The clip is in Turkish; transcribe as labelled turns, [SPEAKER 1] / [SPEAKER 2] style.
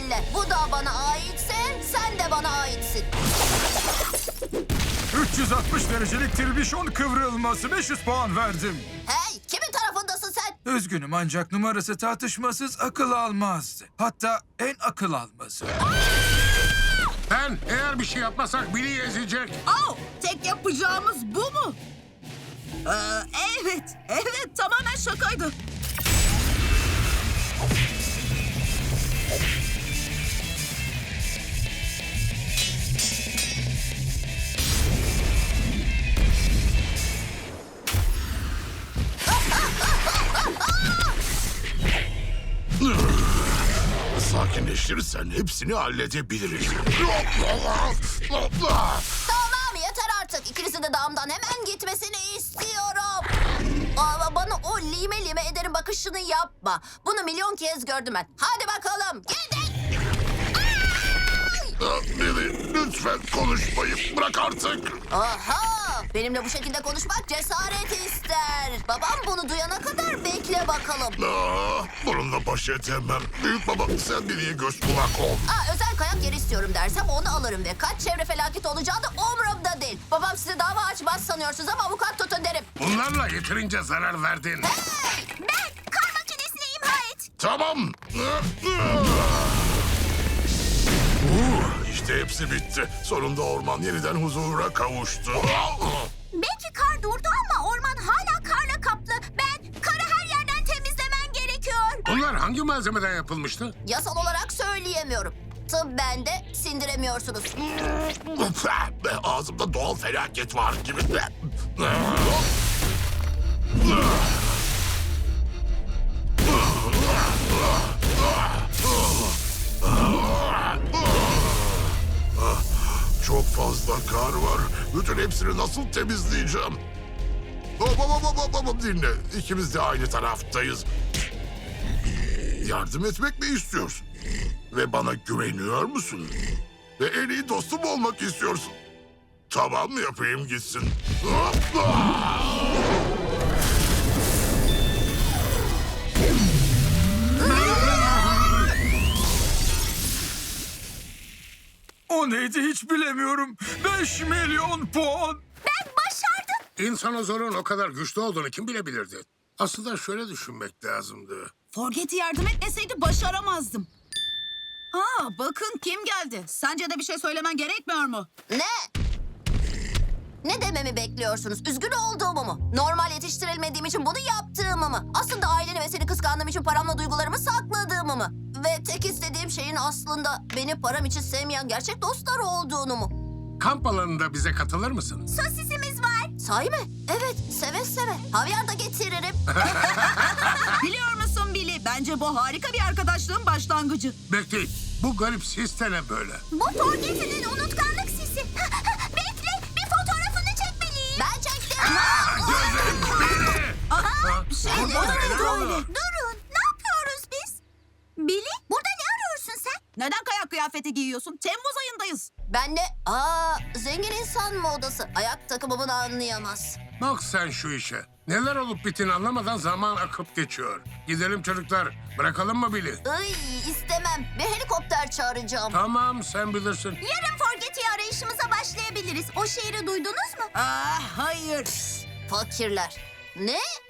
[SPEAKER 1] elle. Bu dağ bana aitse sen de bana aitsin.
[SPEAKER 2] 360 derecelik tirbişon kıvrılması 500 puan verdim.
[SPEAKER 1] Hey, kimin tarafındasın sen?
[SPEAKER 2] Üzgünüm ancak numarası tartışmasız akıl almazdı. Hatta en akıl almazı.
[SPEAKER 3] Ben eğer bir şey yapmasak Billy'i ezecek.
[SPEAKER 4] Oh, tek yapacağımız bu mu? Evet, tamamen şakaydı.
[SPEAKER 3] Sakinleştirirsen hepsini halledebiliriz.
[SPEAKER 1] Tamam yeter artık. İkinizin de dağımdan hemen gitmesini istiyorum. Ama bana o lime lime ederim bakışını yapma. Bunu milyon kez gördüm ben. Hadi bakalım gidin.
[SPEAKER 3] Billy, lütfen konuşmayı bırak artık.
[SPEAKER 1] Aha! Benimle bu şekilde konuşmak cesaret ister. Babam bunu duyana kadar bekle bakalım.
[SPEAKER 3] Bununla baş edemem. Büyük baba sen Billy'ye göz kulak ol.
[SPEAKER 1] Özel kayak yeri istiyorum dersem onu alırım ve kaç çevre felaketi olacağı da umurumda değil. Babam size dava açmaz sanıyorsunuz ama avukat tutun derim.
[SPEAKER 3] Bunlarla yeterince zarar verdin.
[SPEAKER 1] Hey! Ben kar makinesini imha et.
[SPEAKER 3] Tamam. İşte hepsi bitti. Sonunda orman yeniden huzura kavuştu.
[SPEAKER 1] Belki kar durdu ama orman hala karla kaplı. Ben karı her yerden temizlemen gerekiyor.
[SPEAKER 3] Bunlar hangi malzemeden yapılmıştı?
[SPEAKER 1] Yasal olarak söyleyemiyorum. Tıbben de sindiremiyorsunuz.
[SPEAKER 3] Ağzımda doğal felaket var gibi. Çok fazla kar var. Bütün hepsini nasıl temizleyeceğim? Dinle. İkimiz de aynı taraftayız. Yardım etmek mi istiyorsun? Ve bana güveniyor musun? Ve en iyi dostum olmak istiyorsun. Tamam yapayım gitsin.
[SPEAKER 2] O neydi hiç bilemiyorum. 5 milyon puan.
[SPEAKER 1] Ben başardım.
[SPEAKER 3] İnsanozorun o kadar güçlü olduğunu kim bilebilirdi? Aslında şöyle düşünmek lazımdı.
[SPEAKER 4] Forget'i yardım etmeseydi başaramazdım. Bakın kim geldi. Sence de bir şey söylemen gerekmiyor mu?
[SPEAKER 1] Ne? Ne dememi bekliyorsunuz? Üzgün olduğumu mu? Normal yetiştirilmediğim için bunu yaptığımı mı? Aslında aileni ve seni kıskandığım için paramla duygularımı sakladığımı mı? Ve tek istediğim şeyin aslında beni param için sevmeyen gerçek dostlar olduğunu mu?
[SPEAKER 3] Kamp alanında bize katılır mısın?
[SPEAKER 1] Sosisimiz var. Sahi mi? Evet, seve seve. Havyar da getiririm.
[SPEAKER 4] Biliyor musun Billy? Bence bu harika bir arkadaşlığın başlangıcı.
[SPEAKER 3] Bekleyin. Bu garip sis de ne böyle?
[SPEAKER 1] Bu Forget'in unutkanlık sisi. Bekle, bir fotoğrafını çekmeliyim. Ben çektim.
[SPEAKER 4] Durun, ne yapıyoruz biz? Billy, burada ne arıyorsun sen? Neden kayak kıyafeti giyiyorsun? Temmuz ayındayız.
[SPEAKER 1] Ben de, zengin insan modası. Ayak takımımı da anlayamaz.
[SPEAKER 3] Bak sen şu işe. Neler olup bittiğini anlamadan zaman akıp geçiyor. Gidelim çocuklar. Bırakalım mı Billy?
[SPEAKER 1] İstemem. Bir helikopter çağıracağım.
[SPEAKER 3] Tamam sen bilirsin.
[SPEAKER 1] Yarın Forget'i arayışımıza başlayabiliriz. O şehri duydunuz mu?
[SPEAKER 4] Hayır.
[SPEAKER 1] Fakirler. Ne?